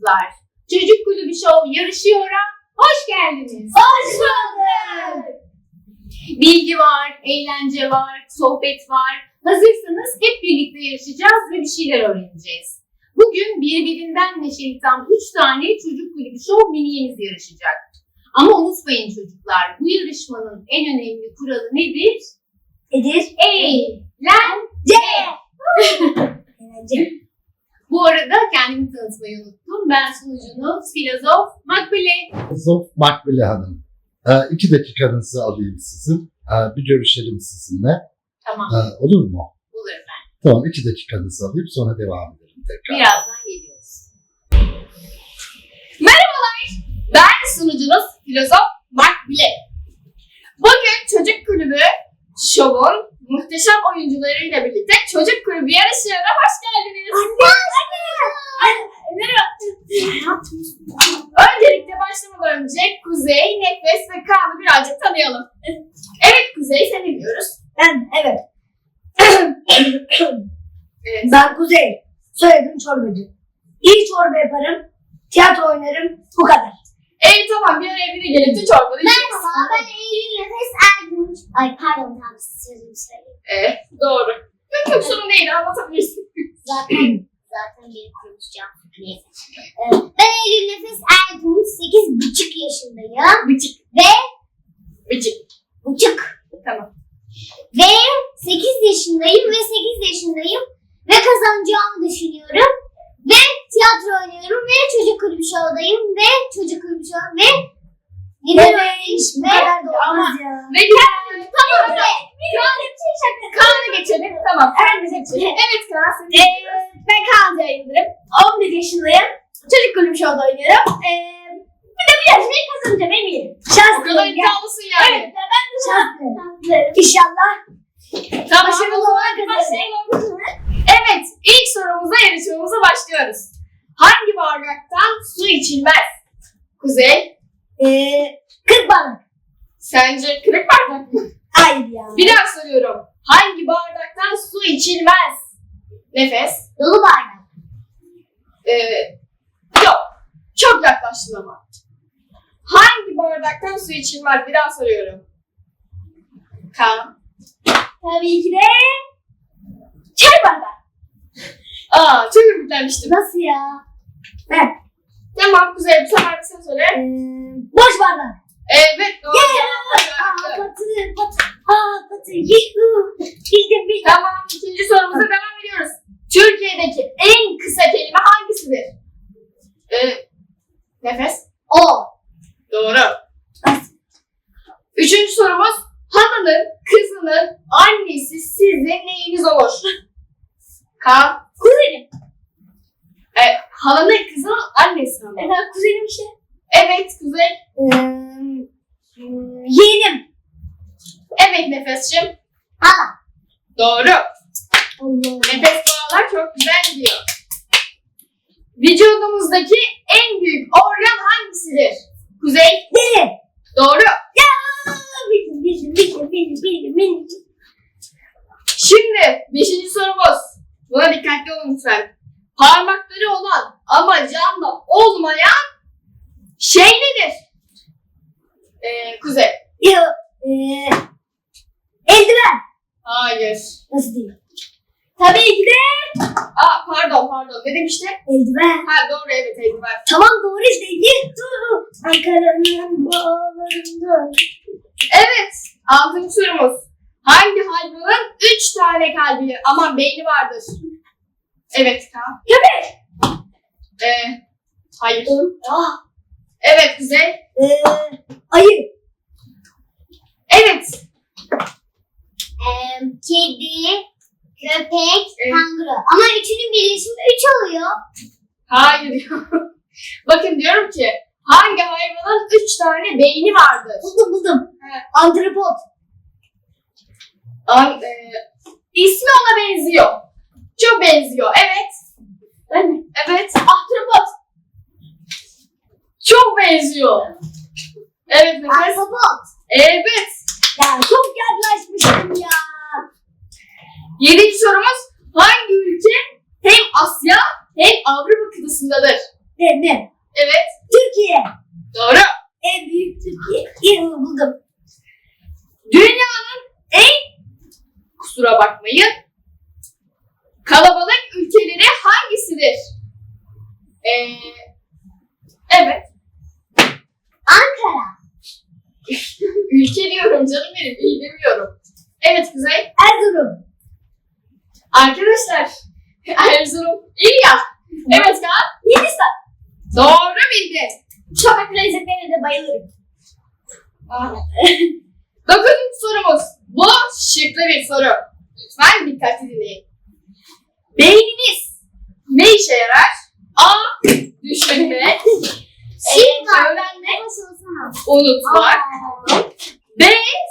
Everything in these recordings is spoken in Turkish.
çocuklar. Çocuk Kulübü Show yarışıyor'a hoş geldiniz. Hoş bulduk. Bilgi var, eğlence var, sohbet var. Hazırsanız hep birlikte yarışacağız ve bir şeyler öğreneceğiz. Bugün birbirinden neşeli tam 3 tane Çocuk Kulübü Show miniyemiz yarışacak. Ama unutmayın çocuklar, bu yarışmanın en önemli kuralı nedir? Eğlence. Bu arada kendimi tanıtmayı unuttum. Ben sunucunuz Filozof Makbule. Filozof Makbule Hanım. 2 dakikanızı alayım sizin. Bir görüşelim sizinle. Tamam, Olur mu? olur efendim. Tamam, 2 dakikanızı alayım sonra devam edelim tekrar. Birazdan geliyoruz. Merhabalar, ben sunucunuz Filozof Makbule. Bugün Çocuk Kulübü Show'un muhteşem oyuncularıyla birlikte Çocuk Kulübü yarışına hoş geldiniz. Öncelikle başlamadan önce Kuzey, Nefes ve Kaan'ı birazcık tanıyalım. Evet Kuzey, seni dinliyoruz. Evet. Evet. Ben Kuzey. Soyadım çorbacı. İyi çorba yaparım. Tiyatro oynarım. Bu kadar. Tamam, bir araya biri gelip de çorbanı içeriz. Merhaba, ben Eylül Nefes Ergünç. Ay pardon, tam sözümü söyleyeyim. Doğru. Çok sorun değil, anlatabilirsin. Zaten beni konuşacağım. Neyse. Ben Eylül Nefes Ergünç, 8,5 yaşındayım. Bıçık. Ve Bıçık. buçuk. Tamam. Ve 8 yaşındayım ve kazanacağımı düşünüyorum. Ve tiyatro oynuyorum ve çocuk kulübü show'dayım ve çocuk kulübü show ve lider öğrenmiş Bu ve kadar da olmaz ya. Ve Kaan'a geçelim. Tamam. Evet Kaan, seni dinliyoruz. Ben Kaan Yıldırım. 11 yaşındayım. Çocuk kulübü show'da oynuyorum. Bir de bu yarışmayı kazanacağım eminim. O kadar Şanslıyım ya. iddialısın yani. Evet, ben de şanslıyım. İnşallah. Tamam. Başarılı olarak kazanırım. Evet, ilk sorumuza yarışmamıza başlıyoruz. Hangi bardaktan su içilmez? Kuzey, 40 balık. sence kırık bardak mı? Hayır ya. Bir daha soruyorum. Hangi bardaktan su içilmez? Nefes. dolu bardak. Yok. Çok yaklaştın ama. Hangi bardaktan su içilmez? Bir daha soruyorum. Kaan. Tabii ki de çay bardağı. Çok ümitlenmiştim. Nasıl ya? Ben. Tamam Kuzey, bu sefer de sen söyle. Boş bardak. Evet, doğru. Patı. Yuhu. Bildim. Tamam, ikinci sorumuza devam ediyoruz. Türkiye'deki en kısa kelime hangisidir? Nefes. O. Doğru. Üçüncü sorumuz. Halının, kızının, annesi sizin neyiniz olur? Kaan. Kuzenim. Halanın, kızının annesi ama. Efendim kuzenim işte. Evet Kuzey. Yeğenim. Evet Nefes'cim. Hala. Doğru. Allah. Nefes bağlar çok güzel gidiyor. Vücudumuzdaki en büyük organ hangisidir? Kuzey. Deli. Doğru. Bildim. Şimdi 5. sorumuz. Buna dikkatli olun lütfen. Parmakları olan ama canlı olmayan şey nedir? Kuzey. Eldiven. Hayır. Nasıl değil? Tabii ki de Pardon. Ne demişti? eldiven. Doğru, evet, eldiven. Tamam doğru işte. Ankara'nın bağlarında. Evet. 6. sorumuz. Hangi hayvanın 3 tane kalbi ama beyni vardır? Evet Kaan. Köpek. Hayır. Evet Kuzey. Ayı. Evet. Kedi, köpek, Evet. kanguru. Ama üçünün birleşimi 3 oluyor. Hayır. Bakın diyorum ki hangi hayvanın 3 tane beyni vardır? Buldum. Evet. Antripot. İsmi ona benziyor. Çok benziyor. Evet. Ben mi? Evet. Ahtapot. Çok benziyor. Evet Nefes. Ahtapot. Evet. Ya çok yaklaşmıştım ya. 7. sorumuz. Hangi ülke hem Asya hem Avrupa kıtasındadır? Ne? Evet. Türkiye. Doğru. En büyük Türkiye. İyi buldum. Dünyanın kusura bakmayın, kalabalık ülkeleri hangisidir? Evet. Ankara. Ülke diyorum canım benim. İyi demiyorum. Evet Kuzey. Erzurum. Arkadaşlar. Erzurum. İyi ya. Evet Kaan. Hindistan. Doğru bildin. Sokak lezzetlerine de bayılırım. Dokuzuncu sorumuz. Bu şıklı bir soru. Lütfen dikkatli dinleyin. Beyniniz ne işe yarar? A. Düşünmek. Öğrenmek. Unutmak. B.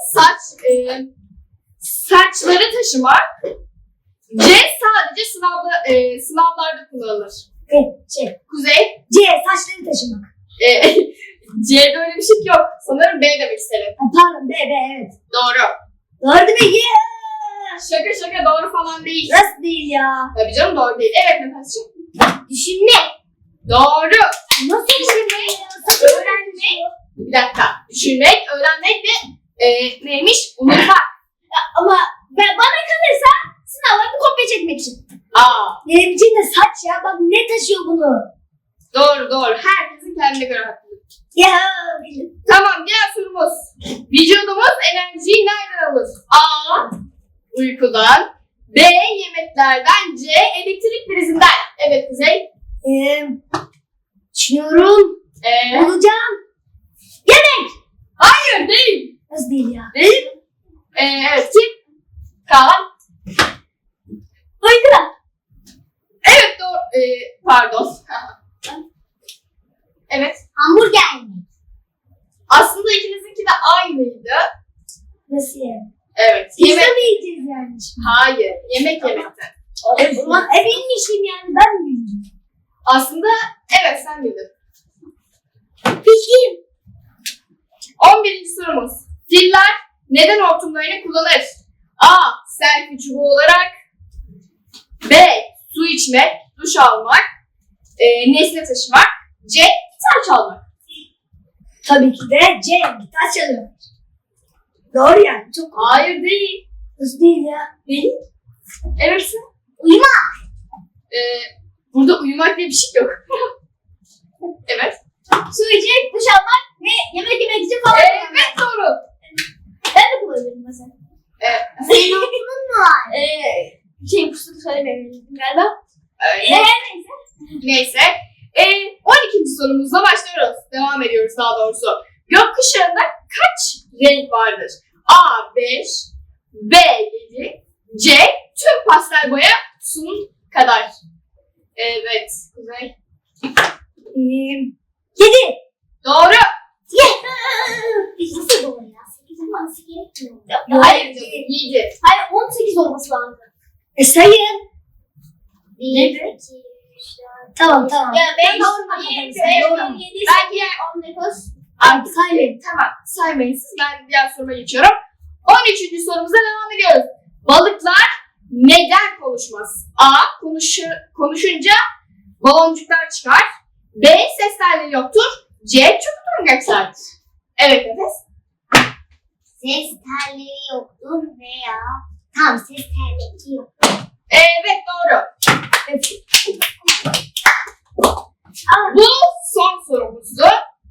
Saçları taşımak. C. Sadece sınavlarda kullanılır. Kuzey. C. Saçları taşımak. C'de öyle bir şey yok. Sanırım B demek istedim. Pardon B evet. Doğru. Doğru değil mi? Yeah! Şaka doğru falan değil. Nasıl değil ya? Tabii canım doğru değil. Evet Nefes'ciğim. Düşünmek. Doğru. Nasıl düşünmek? Öğrenmek. Bir dakika. Düşünmek, öğrenmek ve neymiş? Unutmak. Ama bana kalırsa sınavlarda kopya çekmek için. Aa, Benim için de saç ya. Bak ne taşıyor bunu? doğru. Herkesin kendine göre hakkı. Ya bildim. Tamam, diğer sorumuz. Vücudumuz enerjiyi nereden alır? A. Uykudan. B. Yemeklerden. C. Elektrik prizinden. Evet Kuzey. Düşünüyorum. Olacağım. Hayır değil. Nasıl değil ya? Değil. Evet kim? Kaan. Uykudan. Evet doğru. Pardon. Evet. Hamburger mi? Aslında ikinizinki de aynıydı. Nasıl yani? Evet. Pizza Yemek. mı yiyeceğiz yani şimdi? Hayır. Yemek yemekte. Ulan bilmişim yani ben bildim. Aslında evet sen bildin. Bildim. 11. sorumuz. Filler neden hortumlarını kullanır? A. Selfie çubuğu olarak. B. Su içmek, duş almak, nesne taşımak. C. Gitar çalmak. Tabii ki de C. Gitar çalıyor. Doğru yani. Çok Hayır değil. Nasıl değil ya? Değil. Evet. Uyumak. Burada uyumak diye bir şey yok. Evet. Su içmek, duş almak ve yemek yemek için falan. Evet doğru. Ben de kullanıyorum mesela. Senin okulun mu var? Pusulu söylemeyebilirim galiba. Neyse. Neyse. 12. sorumuzla başlıyoruz. Devam ediyoruz daha doğrusu. Gökkuşağında kaç renk vardır? A. 5 B. 7 C. Tüm pastel boya kutusunun kadar. Evet. Kuzey. 7. Doğru. Nasıl doğru ya? 8 olması gerekmiyor. Hayır canım. 7. Hayır 18 olması lazım. Sayın. 7. Tamam. Ya Ben doğru. normal Yedi, sayıyorum. yedi, 7, Ben diğer 19. Artık saymayın. Tamam. Saymayın siz. Ben diğer soruma geçiyorum. 13. sorumuza devam ediyoruz. Balıklar neden konuşmaz? A. Konuşunca baloncuklar çıkar. B. Ses telleri yoktur. C. Çok durgaçlardır. Evet Nefes. Ses telleri yoktur veya tam ses telleri yok. Evet doğru. Bu son sorumuzdu.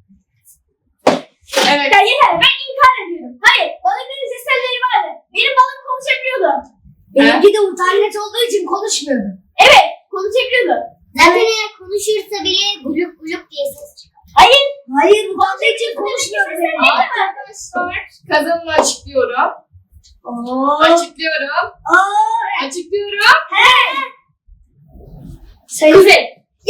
Evet. Ya yeter ben inkar ediyorum. Hayır balıkların ses telleri vardı. Benim balığım konuşabiliyordu. Benimki de internet olduğu için konuşmuyordu. Evet konuşabiliyordu. Zaten eğer konuşursa bile gulup gulup diye ses çıkar. Hayır bu balığım için konuşmuyordu. Arkadaşlar kazanımı açıklıyorum. Oo. Açıklıyorum. Açıklıyorum. Sayın. Kuzey.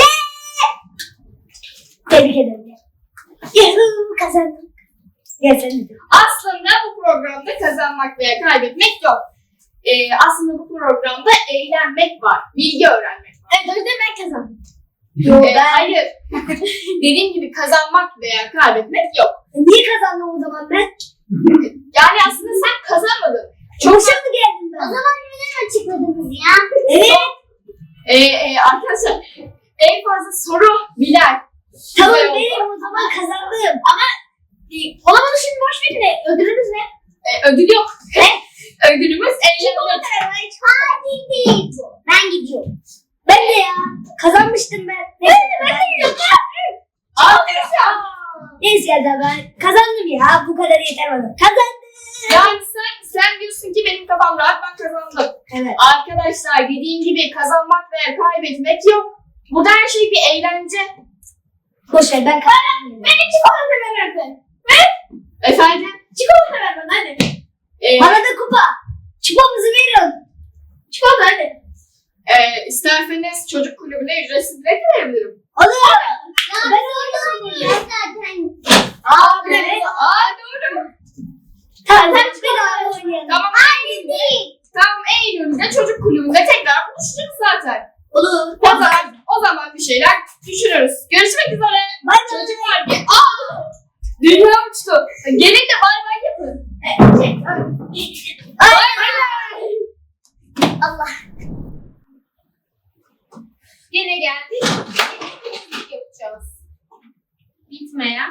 Tebrik ederim. Yahoo kazandım. Gel sen de. Aslında bu programda kazanmak veya kaybetmek yok. Aslında bu programda eğlenmek var. Bilgi öğrenmek var. Evet o yüzden ben kazandım. Yok Hayır. Dediğim gibi kazanmak veya kaybetmek yok. Niye kazandım o zaman ben? Yani aslında sen kazanmadın. Çok mı geldim ben? O zaman neden açıkladınız ya? Evet. Arkadaşlar En fazla soru bilen. Tamam Güzel oldu. benim o zaman kazandım. Ama olamadı şimdi boş verin de ödülümüz ne? Ödül yok. Ödülümüz eğlenmek. Ben gidiyorum. Ben de ya. Kazanmıştım ben. Ben de gidiyorum. Arkadaşlar. Neyse ya ben kazandım ya. Bu kadar yeter bana. Kazandım. Yani sen diyorsun ki benim kafam rahat, ben kazandım. Evet. Arkadaşlar dediğim gibi kazanmak veya kaybetmek yok. Burada her şey bir eğlence. Boş ver ben kazandım. Benim çikolata ver hadi. Efendim? Çikolata ver bana hadi. Bana da kupa. Çipamızı verin. Çikolata hadi. İsterseniz çocuk kulübüne ücretsiz bilet verebilirim. Olur. Ben oynuyorum zaten. Evet. Doğru. Tamam sen beraber oynayalım. Tamam. Tamam, Eylül'de çocuk kulübünde tekrar buluşacağız zaten. Olur. O zaman bir şeyler düşünürüz. Görüşmek üzere. Bay bay. Çocuklar dünya uçtu. Gelin de bay bay yapın. Bay bay. Allah. Gene geldik. Temizlik yapacağız. Bitmeyen.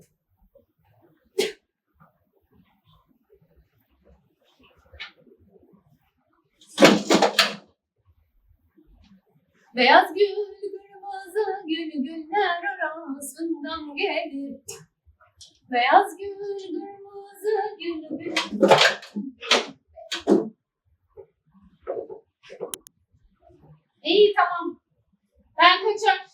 Beyaz gül kırmızı gül güller arasından gelir. Beyaz gül kırmızı gül gül. İyi tamam. Ben kaçar.